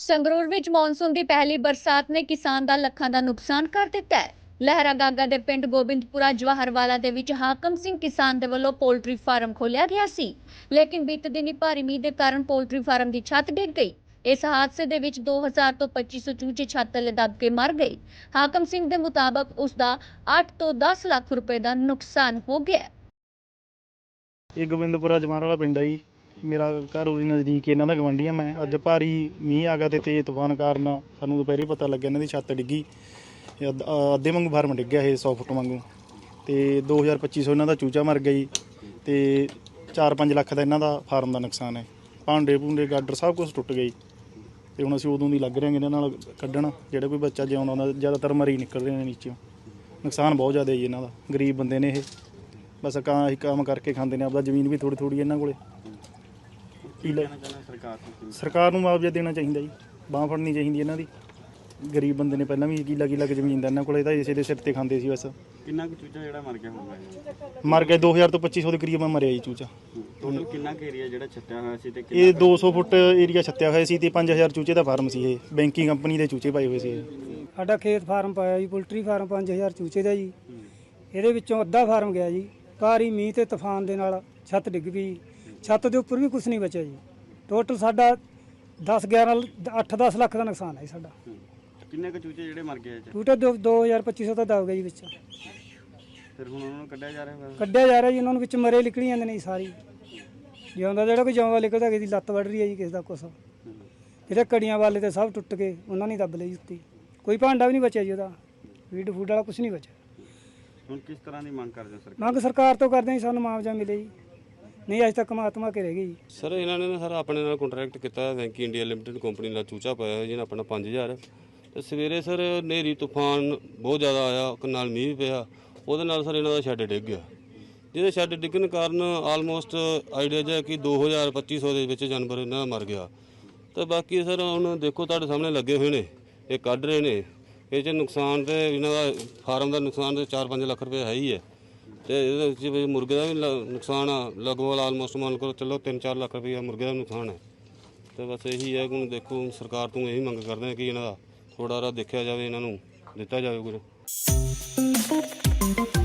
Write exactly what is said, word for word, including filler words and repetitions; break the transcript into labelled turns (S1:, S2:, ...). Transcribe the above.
S1: ਸੰਗਰੂਰ ਵਿੱਚ ਮੌਨਸੂਨ ਦੀ ਪਹਿਲੀ ਬਰਸਾਤ ਨੇ ਕਿਸਾਨ ਦਾ ਲੱਖਾਂ ਦਾ ਨੁਕਸਾਨ ਕਰ ਦਿੱਤਾ ਹੈ। ਲਹਿਰਾ ਗਾਗਾ ਦੇ ਪਿੰਡ ਗੋਬਿੰਦਪੁਰਾ ਜਵਾਹਰਵਾਲਾ ਦੇ ਵਿੱਚ ਹਾਕਮ ਸਿੰਘ ਕਿਸਾਨ ਦੇ ਵੱਲੋਂ ਪੋਲਟਰੀ ਫਾਰਮ ਖੋਲ੍ਹਿਆ ਗਿਆ ਸੀ, ਲੇਕਿਨ ਬੀਤੇ ਦਿਨੀ ਭਾਰੀ ਮੀਂਹ ਦੇ ਕਾਰਨ ਪੋਲਟਰੀ ਫਾਰਮ ਦੀ ਛੱਤ ਡਿੱਗ ਗਈ। ਇਸ ਹਾਦਸੇ ਦੇ ਵਿੱਚ ਦੋ ਹਜ਼ਾਰ ਤੋਂ ਪੱਚੀ ਸੌ ਚੂਚੇ ਛੱਤ ਥੱਲੇ ਦਬ ਕੇ ਮਰ ਗਏ। ਹਾਕਮ ਸਿੰਘ ਦੇ ਮੁਤਾਬਕ ਉਸ ਦਾ ਅੱਠ ਤੋਂ ਦਸ ਲੱਖ ਰੁਪਏ ਦਾ ਨੁਕਸਾਨ ਹੋ ਗਿਆ।
S2: ਇਹ ਗੋਬਿੰਦਪੁਰਾ ਜਮਾਰ ਪਿੰਡ ਹੈ ਜੀ। ਮੇਰਾ ਘਰ ਉਹਦੇ ਨਜ਼ਦੀਕ ਇਹਨਾਂ ਦਾ ਗਵਾਂਢੀ ਆ। ਮੈਂ ਅੱਜ ਭਾਰੀ ਮੀਂਹ ਆ ਗਿਆ ਅਤੇ ਤੇਜ਼ ਤੂਫਾਨ ਕਾਰਨ ਸਾਨੂੰ ਦੁਪਹਿਰੇ ਪਤਾ ਲੱਗਿਆ ਇਹਨਾਂ ਦੀ ਛੱਤ ਡਿੱਗੀ। ਅੱਧ ਅੱਧੇ ਵਾਂਗੂ ਫਾਰਮ ਡਿੱਗਿਆ ਇਹ ਸੌ ਫੁੱਟ ਵਾਂਗੂ, ਅਤੇ ਦੋ ਹਜ਼ਾਰ ਪੱਚੀ ਸੌ ਇਹਨਾਂ ਦਾ ਚੂਚਾ ਮਰ ਗਿਆ ਜੀ, ਅਤੇ ਚਾਰ ਪੰਜ ਲੱਖ ਦਾ ਇਹਨਾਂ ਦਾ ਫਾਰਮ ਦਾ ਨੁਕਸਾਨ ਹੈ। ਭਾਂਡੇ ਭੂੰਡੇ ਗਾਡਰ ਸਭ ਕੁਛ ਟੁੱਟ ਗਏ, ਅਤੇ ਹੁਣ ਅਸੀਂ ਉਦੋਂ ਦੀ ਲੱਗ ਰਹੇ ਹਾਂ ਇਹਨਾਂ ਨਾਲ ਕੱਢਣ। ਜਿਹੜਾ ਕੋਈ ਬੱਚਾ ਜਿਉਂਦਾ ਉਹਨਾਂ ਜ਼ਿਆਦਾਤਰ ਮਰੀ ਨਿਕਲ ਰਹੇ ਨੇ ਨੀਚੋਂ। ਨੁਕਸਾਨ ਬਹੁਤ ਜ਼ਿਆਦਾ ਜੀ ਇਹਨਾਂ ਦਾ। ਗਰੀਬ ਬੰਦੇ ਨੇ ਇਹ, ਬਸ ਕਾਂ ਹੀ ਕੰਮ ਕਰਕੇ ਖਾਂਦੇ ਨੇ। ਆਪਦਾ ਜ਼ਮੀਨ ਵੀ ਥੋੜ੍ਹੀ ਥੋੜ੍ਹੀ ਇਹਨਾਂ ਕੋਲ। ਸਰਕਾਰ ਨੂੰ ਮੁਆਵਜ਼ਾ ਦੇਣਾ ਚਾਹੀਦਾ ਜੀ, ਬਾਂਹ ਫੜਨੀ ਚਾਹੀਦੀ ਇਹਨਾਂ ਦੀ। ਗਰੀਬ ਬੰਦੇ ਨੇ, ਪਹਿਲਾਂ ਵੀ ਕਿੱਲਾ ਕਿੱਲਾ ਕੁ ਜ਼ਮੀਨ ਦਾ ਇਹਨਾਂ ਕੋਲ, ਤਾਂ ਇਸੇ ਦੇ ਸਿਰ ਤੇ ਖਾਂਦੇ ਸੀ ਬਸ।
S3: ਕਿੰਨਾ ਕੁ ਚੂਚਾ ਜਿਹੜਾ ਮਰ ਗਿਆ ਹੋਊਗਾ?
S2: ਮਰ ਗਿਆ ਦੋ ਹਜ਼ਾਰ ਤੋਂ ਪੱਚੀ ਸੌ ਦੇ ਕਰੀਬ ਮਰਿਆ ਜੀ ਚੂਚਾ।
S3: ਟੋਟਲ ਕਿੰਨਾ ਕੁ ਏਰੀਆ ਜਿਹੜਾ ਛੱਤਿਆ ਹੋਇਆ ਸੀ? ਤੇ
S2: ਇਹ ਦੋ ਸੌ ਫੁੱਟ ਏਰੀਆ ਛੱਤਿਆ ਹੋਇਆ ਸੀ, ਅਤੇ ਪੰਜ ਹਜ਼ਾਰ ਚੂਚੇ ਦਾ ਫਾਰਮ ਸੀ। ਇਹ ਬੈਂਕਿੰਗ ਕੰਪਨੀ ਦੇ ਚੂਚੇ ਪਾਏ ਹੋਏ ਸੀ। ਇਹ
S4: ਸਾਡਾ ਖੇਤ ਫਾਰਮ ਪਾਇਆ ਜੀ, ਪੋਲਟਰੀ ਫਾਰਮ ਪੰਜ ਹਜ਼ਾਰ ਚੂਚੇ ਦਾ ਜੀ। ਇਹਦੇ ਵਿੱਚੋਂ ਅੱਧਾ ਫਾਰਮ ਗਿਆ ਜੀ। ਭਾਰੀ ਮੀਂਹ ਤੇ ਤੂਫਾਨ ਦੇ ਨਾਲ ਛੱਤ ਡਿੱਗ ਪਈ। ਛੱਤ ਦੇ ਉੱਪਰ ਵੀ ਕੁਝ ਨਹੀਂ ਬਚਿਆ ਜੀ। ਟੋਟਲ ਸਾਡਾ ਦਸ ਗਿਆਰਾਂ ਅੱਠ ਦਸ ਲੱਖ ਦਾ ਨੁਕਸਾਨ ਹੈ ਸਾਡਾ।
S3: ਕਿੰਨੇ ਕੁ ਚੂਚੇ ਜਿਹੜੇ ਮਰ ਗਏ?
S4: ਟੋਟਲ ਦੋ ਹਜ਼ਾਰ ਪੱਚੀ ਸੌ ਤਾਂ ਦਬ ਗਿਆ ਜੀ ਵਿੱਚ।
S3: ਫਿਰ ਹੁਣ ਉਹਨਾਂ ਨੂੰ ਕੱਢਿਆ ਜਾ ਰਿਹਾ?
S4: ਕੱਢਿਆ ਜਾ ਰਿਹਾ ਜੀ। ਉਹਨਾਂ ਨੂੰ ਵਿੱਚ ਮਰੇ ਨਿਕਲੀ ਜਾਂਦੇ ਨੇ ਜੀ ਸਾਰੀ। ਜਿਉਂਦਾ ਜਿਹੜਾ ਕੋਈ ਜਿਉਂਦਾ ਨਿਕਲਦਾ, ਕਿਸੇ ਦੀ ਲੱਤ ਵੱਢ ਰਹੀ ਹੈ ਜੀ, ਕਿਸੇ ਦਾ ਕੁਛ। ਜਿਹੜੇ ਕੜੀਆਂ ਵਾਲੇ ਤੇ ਸਭ ਟੁੱਟ ਕੇ ਉਹਨਾਂ ਨੇ ਦੱਬ ਲਈ ਉੱਤੀ। ਕੋਈ ਭਾਂਡਾ ਵੀ ਨਹੀਂ ਬਚਿਆ ਜੀ ਉਹਦਾ। ਫੀਡ ਫੂਡ ਵਾਲਾ ਕੁਛ ਨਹੀਂ ਬਚਿਆ।
S3: ਹੁਣ ਕਿਸ ਤਰ੍ਹਾਂ ਦੀ ਮੰਗ ਕਰਦੇ ਹੋ ਸਰਕਾਰ?
S4: ਮੰਗ ਸਰਕਾਰ ਤੋਂ ਕਰਦੇ ਜੀ, ਸਾਨੂੰ ਮੁਆਵਜ਼ਾ ਮਿਲੇ ਜੀ। ਨਹੀਂ ਅੱਜ ਤੱਕ ਮਾਤਮਾ ਕੇ ਰਹਿ ਗਈ ਜੀ।
S5: ਸਰ ਇਹਨਾਂ ਨੇ ਨਾ ਸਰ ਆਪਣੇ ਨਾਲ ਕੰਟਰੈਕਟ ਕੀਤਾ, ਵੈਂਕੀ ਇੰਡੀਆ ਲਿਮਟਿਡ ਕੰਪਨੀ ਨਾਲ ਚੂਚਾ ਪਾਇਆ ਜਿਹਨਾਂ ਆਪਣਾ ਪੰਜ ਹਜ਼ਾਰ। ਤੇ ਸਵੇਰੇ ਸਰ ਹਨੇਰੀ ਤੂਫਾਨ ਬਹੁਤ ਜ਼ਿਆਦਾ ਆਇਆ, ਨਾਲ ਮੀਂਹ ਪਿਆ, ਉਹਦੇ ਨਾਲ ਸਰ ਇਹਨਾਂ ਦਾ ਸ਼ੈੱਡ ਡਿੱਗ ਗਿਆ। ਜਿਹਦੇ ਸ਼ੈੱਡ ਡਿੱਗਣ ਕਾਰਨ ਆਲਮੋਸਟ ਆਈਡੀਆ ਜਿਹਾ ਕਿ ਦੋ ਹਜ਼ਾਰ ਪੱਚੀ ਸੌ ਦੇ ਵਿੱਚ ਜਾਨਵਰ ਇਹਨਾਂ ਦਾ ਮਰ ਗਿਆ। ਤੇ ਬਾਕੀ ਸਰ ਹੁਣ ਦੇਖੋ ਤੁਹਾਡੇ ਸਾਹਮਣੇ ਲੱਗੇ ਹੋਏ ਨੇ, ਇਹ ਕੱਢ ਰਹੇ ਨੇ। ਇਹ 'ਚ ਨੁਕਸਾਨ ਤੇ ਇਹਨਾਂ ਦਾ ਫਾਰਮ ਦਾ ਨੁਕਸਾਨ ਤੇ ਚਾਰ ਪੰਜ ਲੱਖ ਰੁਪਏ ਹੈ ਹੀ ਹੈ, ਅਤੇ ਇਹਦੇ ਵਿੱਚ ਮੁਰਗੇ ਦਾ ਵੀ ਨੁਕਸਾਨ ਆ ਲਗਭਗ ਆਲਮੋਸਟ ਮੰਨ ਕਰੋ ਚਲੋ ਤਿੰਨ ਚਾਰ ਲੱਖ ਰੁਪਏ ਮੁਰਗੇ ਦਾ ਨੁਕਸਾਨ ਹੈ। ਅਤੇ ਬਸ ਇਹੀ ਹੈ। ਹੁਣ ਦੇਖੋ ਸਰਕਾਰ ਤੋਂ ਇਹੀ ਮੰਗ ਕਰਦੇ ਹਾਂ ਕਿ ਇਹਨਾਂ ਦਾ ਥੋੜ੍ਹਾ ਜਿਹਾ ਦੇਖਿਆ ਜਾਵੇ, ਇਹਨਾਂ ਨੂੰ ਦਿੱਤਾ ਜਾਵੇ ਕੁਝ।